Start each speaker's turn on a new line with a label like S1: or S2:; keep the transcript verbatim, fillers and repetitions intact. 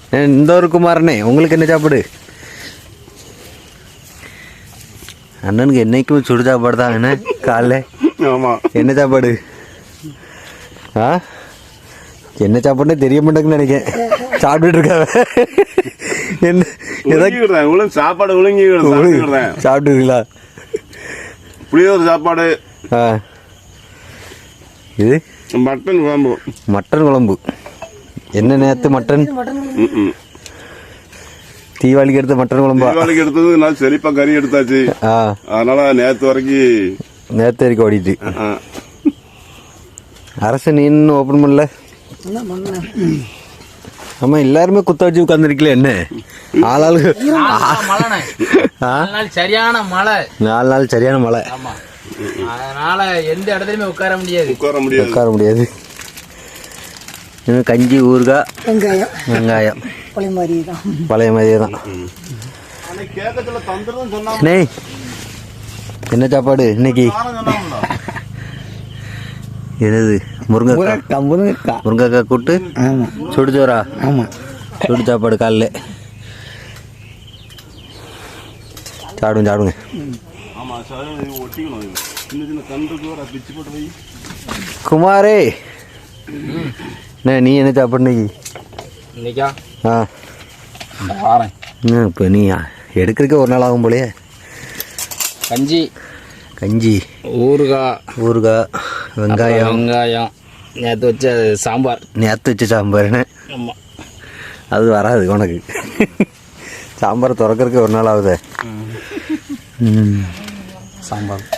S1: இந்த ஒரு குமாரனே, உங்களுக்கு என்ன சாப்பாடு? அண்ணனுக்கு என்னைக்கும் சுடு சாப்பாடு தான். என்ன காலைல என்ன சாப்பாடு? ஆ என்ன சாப்பாடுனே தெரிய மாட்டேங்குன்னு நினைக்கிறேன். சாப்பிட்டுட்டு இருக்காவ என்ன ஏதாவது
S2: சாப்பாடு ஒழுங்கி
S1: சாப்பிட்டுங்களா?
S2: புளியோதரை சாப்பாடு.
S1: ஆ இது
S2: மட்டன் குழம்பு.
S1: மட்டன் குழம்பு என்ன நேற்று மட்டன் தீபாவளிக்கு எடுத்த மட்டன் குழம்பா?
S2: தீபாவளிக்கு எடுத்தது நான் செழிப்பா கறி எடுத்தாச்சு. அதனால நேற்று வரைக்கும்
S1: நேற்று வரைக்கும் ஓடிட்டு. அரசு நீன்னு ஓப்பன் பண்ணல. ஆமா எல்லாருமே குத்த வச்சு உட்காந்துருக்கல. என்ன ஆளாளுக்கு
S3: சரியான மழை,
S1: நாலு நாள் சரியான மழை.
S3: அதனால எந்த இடத்துலயுமே உட்கார முடியாது
S2: உட்கார முடியாது
S1: உட்கார முடியாது. இன்னும் கஞ்சி, ஊறுகாய்,
S4: வெங்காயம்
S1: வெங்காயம்
S4: பழைய மாதிரியே தான்.
S1: பழைய மாதிரியே தான். நெய் என்ன சாப்பாடு இன்னைக்கு? என்னது? முருங்கைக்காய்.
S4: முருங்கைக்காய்
S1: முருங்கைக்காய் கூட்டு.
S4: ஆமாம்.
S1: சுடுச்சோரா?
S4: ஆமாம்.
S1: சுடு சாப்பாடு காலைல சாப்பிடுங்க சாப்பிடுங்க. குமாரே நீ என்ன சாப்பாடு இன்னைக்கு?
S3: இன்னைக்கா?
S1: ஆ
S3: வாரேன்.
S1: இப்போ நீ எடுக்கிறதுக்கே ஒரு நாள் ஆகும் போலையே.
S3: கஞ்சி,
S1: கஞ்சி,
S3: ஊறுகாய்,
S1: ஊறுகாய், வெங்காயம்,
S3: வெங்காயம், நேற்று வச்ச சாம்பார்.
S1: நேற்று வச்ச சாம்பார்னு?
S3: ஆமாம்.
S1: அது வராது உனக்கு. சாம்பார் திறக்கிறதுக்கு ஒரு நாள் ஆகுது.
S3: சாம்பார்